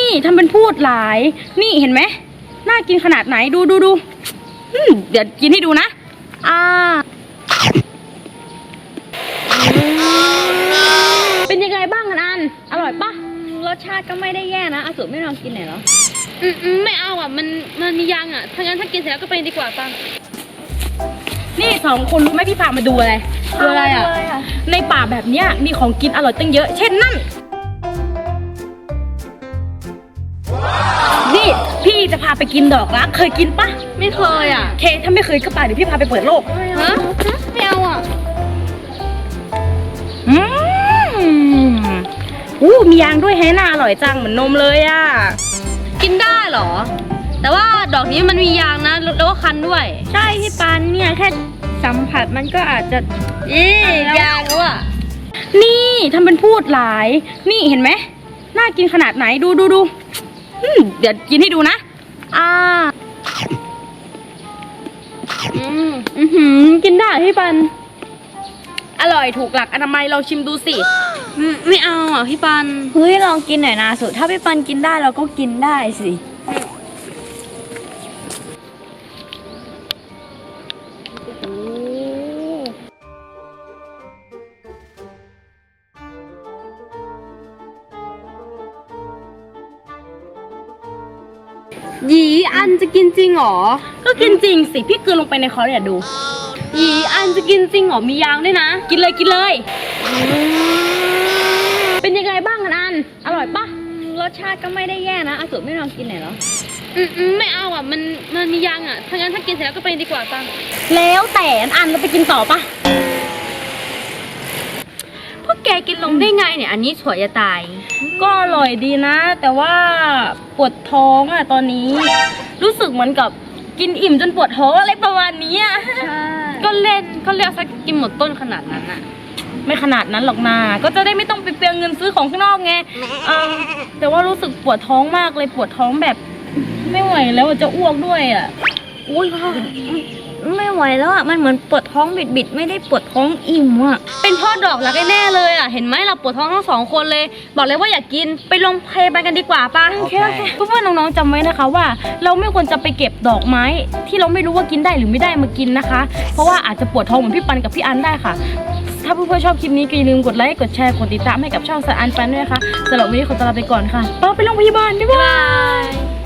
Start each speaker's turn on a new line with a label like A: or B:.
A: ทำเป็นพูดหลายนี่เห็นไหมน่ากินขนาดไหนดูเดี๋ยวกินให้ดูนะเป็นยังไงบ้างอันอร่อยปะ
B: รสชาติก็ไม่ได้แย่นะอาสุไม่ลองกินหน่อยเหรอ
C: ไม่เอาอ่ะมันมียางอ่ะถ้างั้นถ้ากินเสร็จแล้วก็ไปดีกว่าปัง
A: นี่สองคนรู้ไหมพี่พามาดูอะไรอ่ะในป่าแบบเนี้ยมีของกินอร่อยตั้งเยอะเช่นนั่นนี่พี่จะพาไปกินดอกรักเคยกินปะ
C: ไม่เคยอ่ะ
A: เคถ้าไม่เคยก็ไปเดี๋ยวพี่พาไปเปิดโลก
C: ฮะไม่เอาอ่ะ
A: มียางด้วยแฮน่าอร่อยจังเหมือนนมเลยอ่ะ
C: กินได้เหรอแต่ว่าดอกนี้มันมียางนะแล้วก็คันด้วย
B: ใช่พี่ปานเนี่ยแค่สัมผัสมันก็อาจจะ
C: ยางแล้วอ่ะ
A: นี่ทำเป็นพูดหลายนี่เห็นไหมน่ากินขนาดไหนดูเดี๋ยวกินให้ดูนะ
B: กินได้พี่ปัน
A: อร่อยถูกหลักอนามัยเราชิมดูสิ
C: ไม่เอาอ่ะพี่ปัน
B: เฮ้ยลองกินหน่อยนะสุดถ้าพี่ปันกินได้เราก็กินได้สิ
C: หยีอันจะกินจริงหรอ
A: ก็กินจริงสิพี่กลืนลงไปในคอเนี่ยดู
C: หยีอันจะกินจริงหรอมียางด้วยนะ
A: กินเลยเป็นยังไงบ้างอันอร่อยปะ
B: รสชาติก็ไม่ได้แย่นะอาสุไม่ลองกินหน่อยเหรอ
C: ไม่เอาอ่ะมันมียางอ่ะถ้างั้นถ้ากินเสร็จแล้วก็ไปดีกว่าปัง
A: แล้วแต่อันเราไปกินต่อปะ
C: พวกแกกินลงได้ไงเนี่ยอันนี้สวยจะตาย
A: ก็อร่อยดีนะแต่ว่าปวดท้องอ่ะตอนนี้รู้สึกเหมือนกับกินอิ่มจนปวดท้องอะไรประมาณนี้อ่ะ
C: ก็เล่นก็เรียกสักกินหมดต้นขนาดนั้นอ่ะ
A: ไม่ขนาดนั้นหรอกนาก็จะได้ไม่ต้องไปเปลืองเงินซื้อของข้างนอกไงแต่ว่ารู้สึกปวดท้องมากเลยปวดท้องแบบไม่ไหวแล้วจะอ้วกด้วยอ่ะ
B: อุ้ยไม่ไหวแล้วอ่ะมันเหมือนปวดท้องบิดไม่ได้ปวดท้องอิ่มอ่ะ
C: เป็นพ่อดอกรักแน่เลยอ่ะเห็นไหมเราปวดท้องทั้งสองคนเลยบอกเลยว่าอยากกินไปโรงพยาบาลกันดีกว่าป่ะ
A: โอเคเพื่อนๆน้องๆจำไว้นะคะว่าเราไม่ควรจะไปเก็บดอกไม้ที่เราไม่รู้ว่ากินได้หรือไม่ได้มากินนะคะเพราะว่าอาจจะปวดท้องเหมือนพี่ปันกับพี่อันได้ค่ะถ้าเพื่อนๆชอบคลิปนี้ก็อย่าลืมกดไลค์กดแชร์กดติดตามให้กับช่องสะอันแฟนด้วยนะคะสำหรับวันนี้ขอตัวลาไปก่อนค่ะไปโรงพยาบาลบ๊ายบาย